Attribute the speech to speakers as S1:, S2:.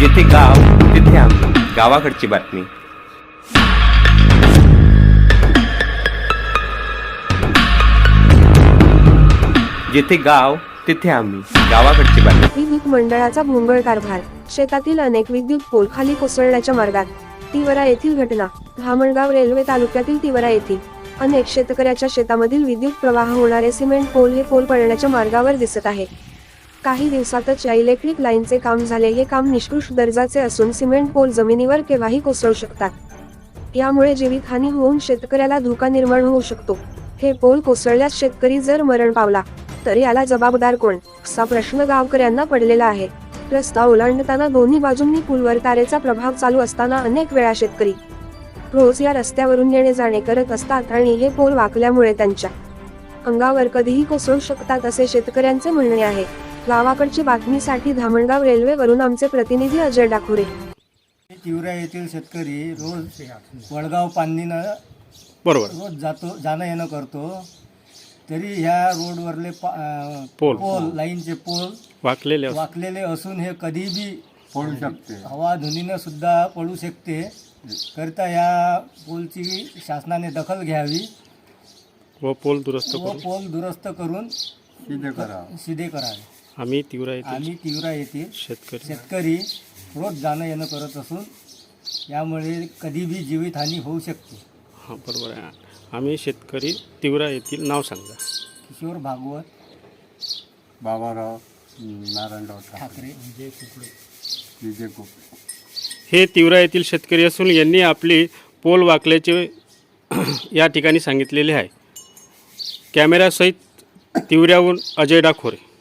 S1: जिथे गाव तिथे आम्ही, गावाकडची बातमी। जिथे गाव तिथे आम्ही, गावाकडची बातमी।
S2: विद्युत मंडळाचा भोंगळ कारभार, शेतातील अनेक विद्युत पोल खाली कोसळण्याच्या मार्गात। तिवरा येथील घटना, धामणगाव रेल्वे तालुक्यातील तिवरा येथील अनेक शेतकऱ्याच्या शेतामधील विद्युत प्रवाह होणारे सिमेंट पोल हे पोल पडण्याच्या मार्गावर दिसत आहे। काही दिवसातच या इलेक्ट्रिक लाईनचे काम झाले। हे काम निकृष्ट दर्जाचे असून सिमेंट पोल जमिनीवर केव्हाही कोसळू शकतात। यामुळे जीवितहानी होऊन शेतकऱ्याला धोका निर्माण होऊ शकतो। हे पोल कोसळल्यास शेतकरी जर मरण पावला तर याला जबाबदार कोण, असा प्रश्न गावकऱ्यांना पडलेला आहे। रस्ता ओलांडताना दोन्ही बाजूंनी पूलवर तारेचा प्रभाव चालू असताना अनेक वेळा शेतकरी रोज या रस्त्यावरून येणे जाणे करत असतात आणि हे पोल वाकल्यामुळे त्यांच्या अंगावर कधीही कोसळू शकतात असे शेतकऱ्यांचे म्हणणे आहे। गावाकडची बातमीसाठी धामणगाव रेल्वेवरून आमचे प्रतिनिधी अजय डाखुरे।
S3: तिवरा येथील शेतकरी रोज वडगाव पांदीनं
S4: बरोबर
S3: रोज जाणं येणं करतो। तरी ह्या रोडवरले
S4: पोल
S3: लाईनचे पोल वाकलेले असून हे कधी बी
S5: पडू शकते।
S3: हवा धुनीनं सुद्धा पडू शकते। करता या पोलची शासनाने दखल घ्यावी
S4: व पोल
S3: दुरुस्त करून सिधे करावे।
S4: आम्ही तिवरा
S3: येथील
S4: शेतकरी
S3: शेतकरी रोज जाणं येणं करत असून यामुळे कधी बी जीवितहानी होऊ शकते।
S4: हां बरोबर आहे। आम्ही शेतकरी तिवरा येथील नाव सांगा।
S3: किशोर भागवत,
S5: बाबाराव नारायणराव
S3: ठाकरे,
S5: विजय कुपे।
S4: हे तिवरा येथील शेतकरी असून यांनी आपली पोल वाकल्याचे या ठिकाणी सांगितलेले आहे। कॅमेरासहित तिवऱ्याहून अजय डाखोरे।